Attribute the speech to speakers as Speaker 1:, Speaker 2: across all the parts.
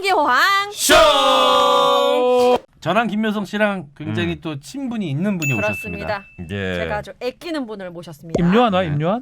Speaker 1: 미디어황
Speaker 2: 쇼!
Speaker 3: 저랑 김묘성 씨랑 굉장히 또 친분이 있는 분이 오셨습니다.
Speaker 1: 그렇습니다.
Speaker 2: 예.
Speaker 1: 제가 아주 아끼는 분을 모셨습니다.
Speaker 4: 임요한 와 임요한?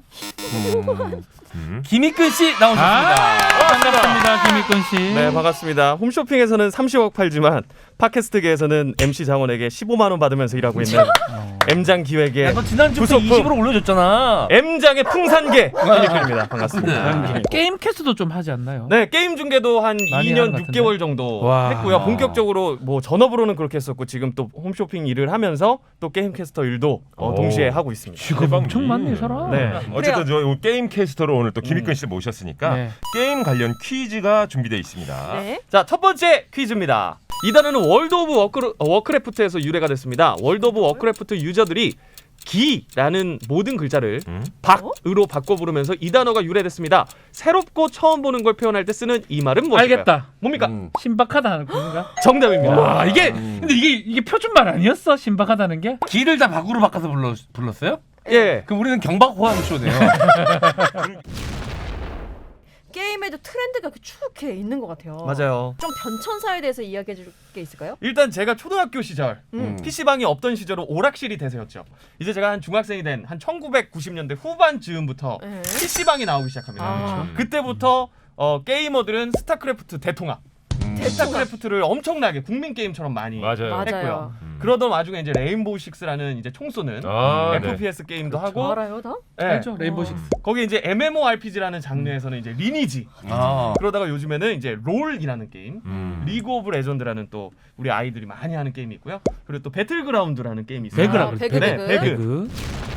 Speaker 3: 김익근 씨 나오셨습니다.
Speaker 4: 반갑습니다 김익근 씨.
Speaker 5: 네, 반갑습니다. 홈쇼핑에서는 30억 팔지만 팟캐스트계에서는 MC 장원에게 15만 원 받으면서 일하고 있는 M장 기획의
Speaker 3: 야, 너 지난주부터
Speaker 5: 부속품.
Speaker 3: 20으로 올려줬잖아.
Speaker 5: M장의 풍산계 김익근입니다. 반갑습니다.
Speaker 4: 게임 캐스트도 좀 하지 않나요?
Speaker 5: 네, 게임 중계도 한
Speaker 4: 많이
Speaker 5: 2년
Speaker 4: 하는 것 같은데?
Speaker 5: 6개월 정도
Speaker 4: 와.
Speaker 5: 했고요. 본격적으로 뭐 전업으로는 그렇게 했었고 지금 또 홈쇼핑 일을 하면서 또 게임 캐스터 일도 동시에 하고 있습니다.
Speaker 4: 지금 엄청 많네 이 사람.
Speaker 5: 네.
Speaker 2: 어쨌든 저 게임 캐스터로 오늘 또 김익근 씨를 모셨으니까
Speaker 4: 네.
Speaker 2: 게임 관련 퀴즈가 준비되어 있습니다.
Speaker 1: 네.
Speaker 5: 자, 첫 번째 퀴즈입니다. 이 단어는 월드 오브 워크래프트에서 유래가 됐습니다. 월드 오브 워크래프트 유저들이 기라는 모든 글자를 박으로 바꿔 부르면서 이 단어가 유래됐습니다. 새롭고 처음 보는 걸 표현할 때 쓰는 이 말은 무엇일까요?
Speaker 4: 알겠다.
Speaker 5: 뭡니까?
Speaker 4: 신박하다는 건가?
Speaker 5: 정답입니다.
Speaker 4: 와 이게 근데 이게 표준말 아니었어? 신박하다는 게?
Speaker 3: 기를 다 박으로 바꿔서 불렀어요?
Speaker 5: 예.
Speaker 3: 그럼 우리는 경박호황쇼네요.
Speaker 1: 게임에도 트렌드가 쭉 이렇게 있는 것 같아요.
Speaker 5: 맞아요.
Speaker 1: 좀 변천사에 대해서 이야기해 줄 게 있을까요?
Speaker 5: 일단 제가 초등학교 시절
Speaker 1: 음.
Speaker 5: PC방이 없던 시절은 오락실이 대세였죠. 이제 제가 한 중학생이 된 한 1990년대 후반 즈음부터
Speaker 1: 네.
Speaker 5: PC방이 나오기 시작합니다.
Speaker 1: 아.
Speaker 5: 그때부터 게이머들은 스타크래프트 대통합 스타크래프트를 엄청나게 국민 게임처럼 많이
Speaker 2: 맞아요.
Speaker 1: 맞아요.
Speaker 5: 했고요. 그러던 와중에 이제 레인보우 식스라는 이제 총 쏘는
Speaker 2: 아, 네.
Speaker 5: FPS 게임도
Speaker 1: 저
Speaker 5: 하고
Speaker 1: 알아요, 다?
Speaker 5: 네.
Speaker 4: 알죠? 레인보우 식스.
Speaker 5: 거기 이제 MMORPG라는 장르에서는 이제 리니지
Speaker 3: 아.
Speaker 5: 그러다가 요즘에는 이제 롤이라는 게임 리그 오브 레전드라는 또 우리 아이들이 많이 하는 게임이 있고요. 그리고 또 배틀그라운드라는 게임이 있어요.
Speaker 4: 배그라
Speaker 1: 아,
Speaker 4: 그럴
Speaker 1: 배그,
Speaker 4: 때.
Speaker 5: 네,
Speaker 1: 배그.
Speaker 5: 배그.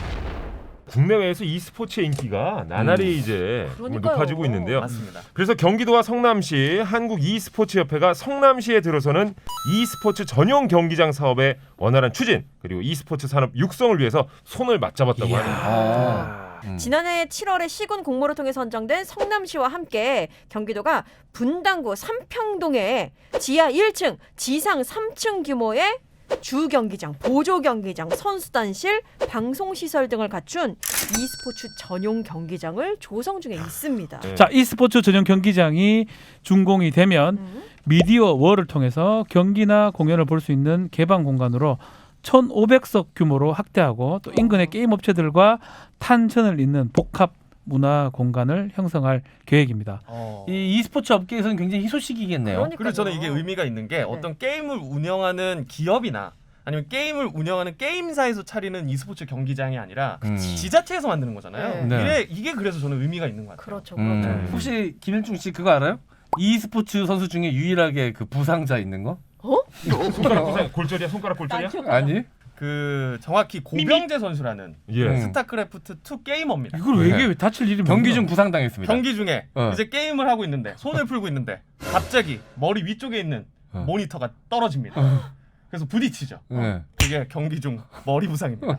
Speaker 2: 국내외에서 e스포츠의 인기가 나날이 이제
Speaker 1: 그러니까요.
Speaker 2: 높아지고 있는데요.
Speaker 5: 맞습니다.
Speaker 2: 그래서 경기도와 성남시 한국 e스포츠협회가 성남시에 들어서는 e스포츠 전용 경기장 사업의 원활한 추진 그리고 e스포츠 산업 육성을 위해서 손을 맞잡았다고 하네요.
Speaker 3: 아.
Speaker 1: 지난해 7월에 시군 공모를 통해 선정된 성남시와 함께 경기도가 분당구 삼평동에 지하 1층, 지상 3층 규모의 주 경기장, 보조 경기장, 선수단실, 방송 시설 등을 갖춘 e스포츠 전용 경기장을 조성 중에 있습니다.
Speaker 2: 네.
Speaker 4: 자 e스포츠 전용 경기장이 준공이 되면 미디어 월을 통해서 경기나 공연을 볼 수 있는 개방 공간으로 1,500석 규모로 확대하고 또 인근의 게임 업체들과 탄천을 잇는 복합 문화 공간을 형성할 계획입니다.
Speaker 3: 이 e스포츠 업계에서는 굉장히 희소식이겠네요.
Speaker 1: 그러니까요.
Speaker 5: 그리고 저는 이게 의미가 있는 게 어떤 게임을 운영하는 기업이나 아니면 게임을 운영하는 게임사에서 차리는 e스포츠 경기장이 아니라 지자체에서 만드는 거잖아요.
Speaker 3: 네.
Speaker 5: 이게 그래서 저는 의미가 있는 것 같아요.
Speaker 1: 그렇죠, 그렇죠.
Speaker 3: 혹시 김일중 씨 그거 알아요? e스포츠 선수 중에 유일하게 그 부상자 있는 거?
Speaker 2: 손가락 골절이야? 손가락 골절이야?
Speaker 3: 아니?
Speaker 5: 그 정확히 고병재 선수라는
Speaker 2: 예.
Speaker 5: 스타크래프트 2 게이머입니다.
Speaker 4: 이걸 왜 다칠 일이
Speaker 3: 경기
Speaker 4: 뭐야?
Speaker 3: 중 부상당했습니다.
Speaker 5: 경기 중에
Speaker 3: 어.
Speaker 5: 이제 게임을 하고 있는데 손을 풀고 있는데 갑자기 머리 위쪽에 있는 모니터가 떨어집니다. 그래서 부딪히죠.
Speaker 3: 네.
Speaker 5: 그게 경기 중 머리 부상입니다.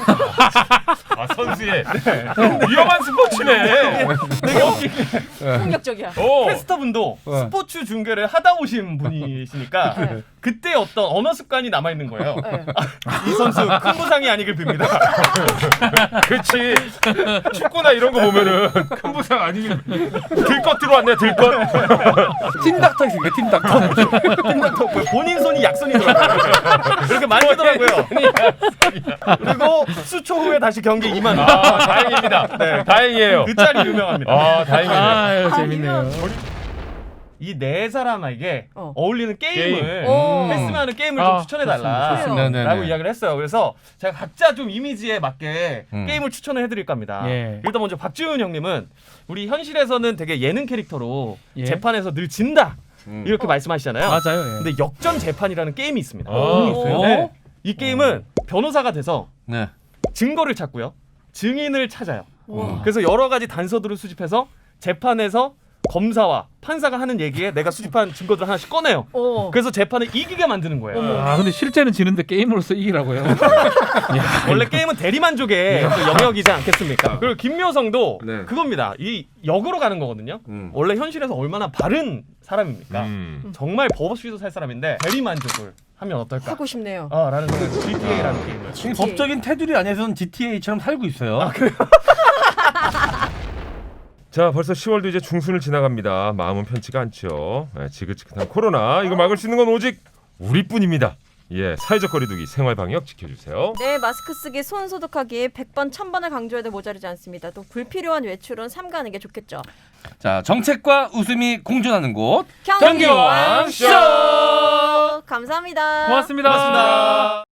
Speaker 2: 아 선수의 위험한 스포츠네.
Speaker 1: 폭력적이야.
Speaker 2: 오.
Speaker 5: 캐스터분도 스포츠 중계를 하다 오신 분이시니까 그때 어떤 언어 습관이 남아 있는 거예요.
Speaker 1: 네.
Speaker 5: 이 선수 큰 부상이 아니길 빕니다.
Speaker 2: 그렇지. 축구나 이런 거 보면은 큰 부상 아니면 들것 들어왔네 들것.
Speaker 3: 팀닥터 있으니까 팀닥터.
Speaker 5: 본인 손이 약손이더라고요. 그렇게 만지더라고요. 그리고 수초 후에 다시 경기 임한.
Speaker 2: 아 다행입니다.
Speaker 5: 네.
Speaker 2: 다행이에요.
Speaker 5: 그 짤이 유명합니다.
Speaker 2: 아 다행이네요.
Speaker 4: 아유 재밌네요.
Speaker 5: 이 네 사람에게 어울리는 게임을
Speaker 1: 오.
Speaker 5: 했으면 하는 게임을 좀 추천해달라
Speaker 1: 좋습니다.
Speaker 3: 네네네.
Speaker 5: 라고 이야기를 했어요. 그래서 제가 각자 좀 이미지에 맞게 게임을 추천을 해드릴 겁니다.
Speaker 4: 예.
Speaker 5: 일단 먼저 박지훈 형님은 우리 현실에서는 되게 예능 캐릭터로
Speaker 4: 예.
Speaker 5: 재판에서 늘 진다 이렇게 말씀하시잖아요.
Speaker 4: 맞아요. 예.
Speaker 5: 근데 역전 재판이라는 게임이 있습니다.
Speaker 3: 있어요?
Speaker 5: 네. 이 게임은 변호사가 돼서
Speaker 3: 네.
Speaker 5: 증거를 찾고요. 증인을 찾아요.
Speaker 1: 우와.
Speaker 5: 그래서 여러 가지 단서들을 수집해서 재판에서 검사와 판사가 하는 얘기에 내가 수집한 증거들 하나씩 꺼내요. 그래서 재판을 이기게 만드는 거예요.
Speaker 4: 아 근데 실제는 지는데 게임으로서 이기라고요.
Speaker 5: 원래 게임은 대리만족의 그 영역이지 않겠습니까? 그리고 김묘성도
Speaker 3: 네.
Speaker 5: 그겁니다. 이 역으로 가는 거거든요. 원래 현실에서 얼마나 바른 사람입니까? 정말 법 없이도 살 사람인데 대리만족을 하면 어떨까?
Speaker 1: 하고 싶네요.
Speaker 5: 라는 생각. GTA라는 게임을.
Speaker 3: 이 법적인 테두리 안에서는 GTA처럼 살고 있어요.
Speaker 2: 자, 벌써 10월도 이제 중순을 지나갑니다. 마음은 편치가 않죠. 지긋지긋한 코로나 이거 막을 수 있는 건 오직 우리뿐입니다. 예, 사회적 거리두기, 생활 방역 지켜주세요.
Speaker 1: 네, 마스크 쓰기, 손 소독하기 100번 1000번을 강조해도 모자르지 않습니다. 또 불필요한 외출은 삼가하는 게 좋겠죠.
Speaker 3: 자, 정책과 웃음이 공존하는 곳
Speaker 1: 경기왕
Speaker 3: 쇼.
Speaker 1: 감사합니다.
Speaker 4: 고맙습니다.